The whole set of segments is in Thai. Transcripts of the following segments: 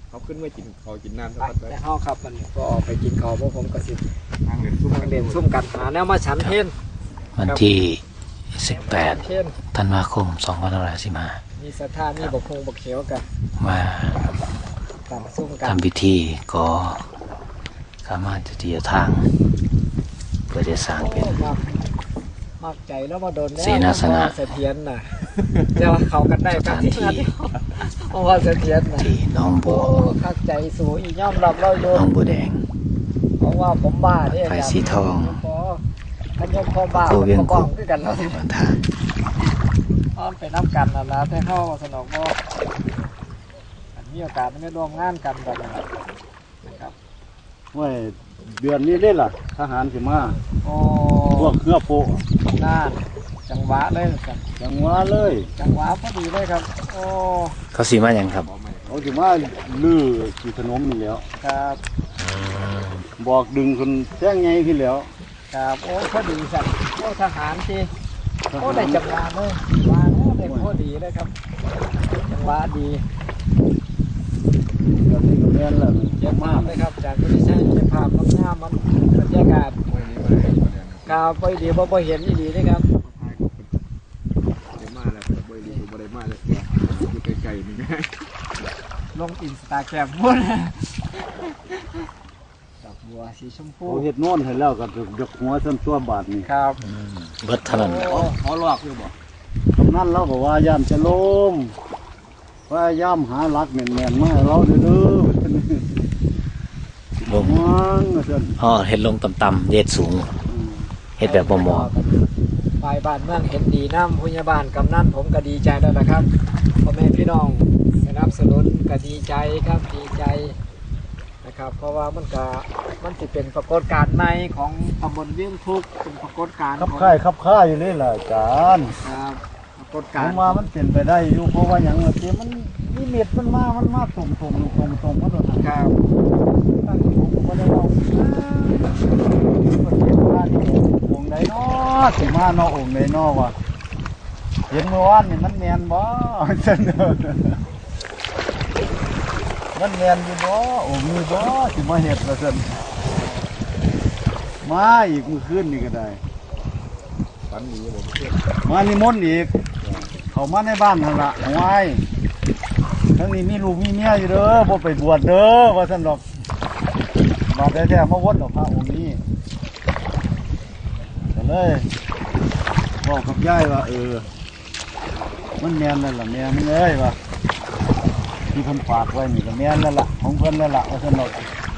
เขาขึ้นมากินเขากินน้ำสักไปพักไปในห้องครับมันก็ไปกินข้าวพวกผมก็สิทางเด่นซุ่มเด่นซุ่มกันหาแนวมาฉันเพนวันที่เพน 18 ธันวาคม 2515 มีสถานมีบกคงบกเขียวกันมาตามซุ่มกันทำพิธีก็สามารถจะเทียทาง เพื่อจะสร้างเป็นมากใจแล้วมาโดนแล้วเสนาสนะเสถียรน่ะจะว่าเขากันได้กันที่นั่นเพราะว่าเสถียรน่ะที่หน้องบัโอ้วคักใจสูงอีกย่อมรับเราโยหน้องบัวแดงเพราะว่าผมบ้าเนี่ยไฟสีทองท่านยมพ่อบ้าตัวเวียงกคุอก งด้วยกันแล้ววันทางอ้อมไปน้ำกันนะนะแต่เข้าสนองบ่อันมีโอกาสไม่ร่วมงานกันแบบนี้นะครับว่าเดือนนี้ได้ล่ะทหารสิมาโอ้พวกเครือโปะน่านจังหวะเลยครับจังหวะเลยจังหวะพอดีเลยครับ โอ้เขาสีมาอย่างครับเขาสิมาลื้อกี่ขนมนี่แหล้วครับบอกดึงคนแจ้งไงขึ้นแล้วครับโอ้พอดีสัตว์โอ้ทหารทีทโอ้หารได้จังหวะเลยว่าแล้วได้พอดีเลยครับจังหวะดีเดือนนี้ก็แม่นแล้วเยอะมากเลยครับจากที่ใช้ภาพงามมันบรรยากาศวันนี้มาเลยวันนี้กาวไปดีบ่เห็นดีนะครับเดี๋ยวมาแล้วบ่ได้บ่ได้มาเลยอยู่ไกลๆนี่ลงอินสตาแกรมพุ่นดอกบัวสีชมพูเขาเฮ็ดโน่นให้แล้วก็ยกหัวซ้ำตัวบาทนี่ครับเบิดเท่านั้นเขาลอกอยู่บ่กำนันเราก็ว่าย่ามจะล้มว่าย่ามหาหลักแม่นๆมาให้เราเด้อลงมันว่าซั่นอ๋อเฮ็ดลงต่ำๆเย็ดสูง เฮ็ดแบบบ่หมอไปบ้านเมืองเห็นดีน้ำพยาบาลกำนันผมก็ดีใจแล้วนะครับพ่อแม่พี่น้องสนับสนุนก็ดีใจครับดีใจนะครับ เพราะว่ามันจะเป็นปรากฏการณ์ใหม่ของตำบลเวียงทุกเป็นปรากฏการณ์ขับของค่ายอยู่นี่แหละอาจารย์ครับปรากฏผการมณ์ว่ามันเป็นไปได้อยู่เพราะว่าอย่างเงี้ยมันมีเม็ดมันมาตรงมาโดนครับตั้งผมก็ได้เอาเห็นว่านี่องค์ไหนเนาะสิมาเนาะองค์ไหนเนาะวะเห็นเมื่อวานนี่มันแมนบ่ซั่นเด้อมันแมนอยู่บ่องค์นี้บ่สิมาเฮ็ดว่าซั่นมาอีกมื้อคืนนี่ก็ได้ฝันดีบ่เพื่อนมานิมนต์อีกเขามาในบ้านนั่นละเอาไว้ทั้งนี้มีลูกมีเมียอยู่เด้อบ่ไปบวชเด้อว่าท่านดอกมาแท้ๆมาวัดดอกพระองค์นี้ก็เลยบอกกับยายว่ามันแม่นนั่นล่ะแม่มึงเอ้ยว่าที่เพิ่นฝากไว้นี่ก็แม่นนั่นล่ะของเพิ่นนั่นล่ะว่าท่านดอก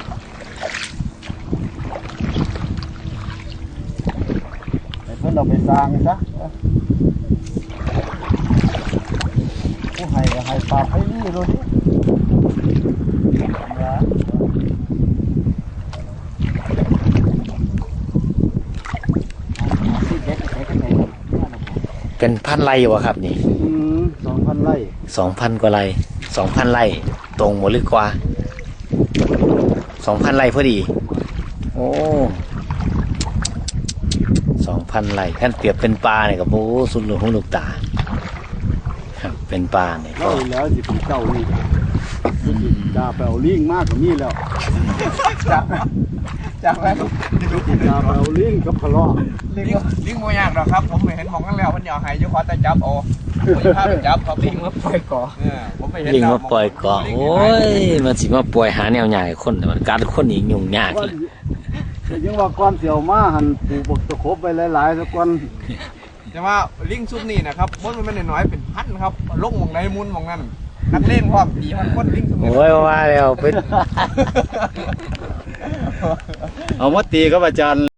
ให้เพิ่นเอาไปสร้างซะ ผู้ให้ก็ให้ปากให้นี่ดูดิเป็นพันไร่วะครับนี่ 2,000 ไร่ 2,000 กว่าไร่ 2,000 ไร่ ตรงหมดหรือกว่า 2,000 ไร่พอดี โอ้ 2,000 ไร่ขั้นเปรียบเป็นปลาเนี่ยกับโอ้สุดหลวงของลูกตา ครับเป็นปลาเนี่ยแล้วแล้วสิเป็นเจ้านี่ดาไปเอาลิงมากกว่ามีแล้วจากแล้วดาไปเอาลิงกับพะเลาะลิงบ่ยากหรอกครับผมไม่เห็นมองกันแล้วมันอยากให้อยู่ขอแต่จับเอาผมพาไปจับครับลิงมาปล่อยก่อผมไม่เห็นลิงมาปล่อยเกาะโอ้ย มันสิมาปล่อยหาแนวใหญ่คนแต่มันการคนอีกยุ่งยากเลยยังว่าก้อนเสี่ยวมาหันปลูกบักตะคบไปหลายๆสักก้อนแต่ว่าลิงซุปนี่นะครับมันไม่น้อยเป็นพันครับลงมองไหนมุนมองนั่นนักเล่นพร้อมตีมันคนลิงซุปโอ้ยว่าแล้วเป็นเอามาตีกับอาจารย์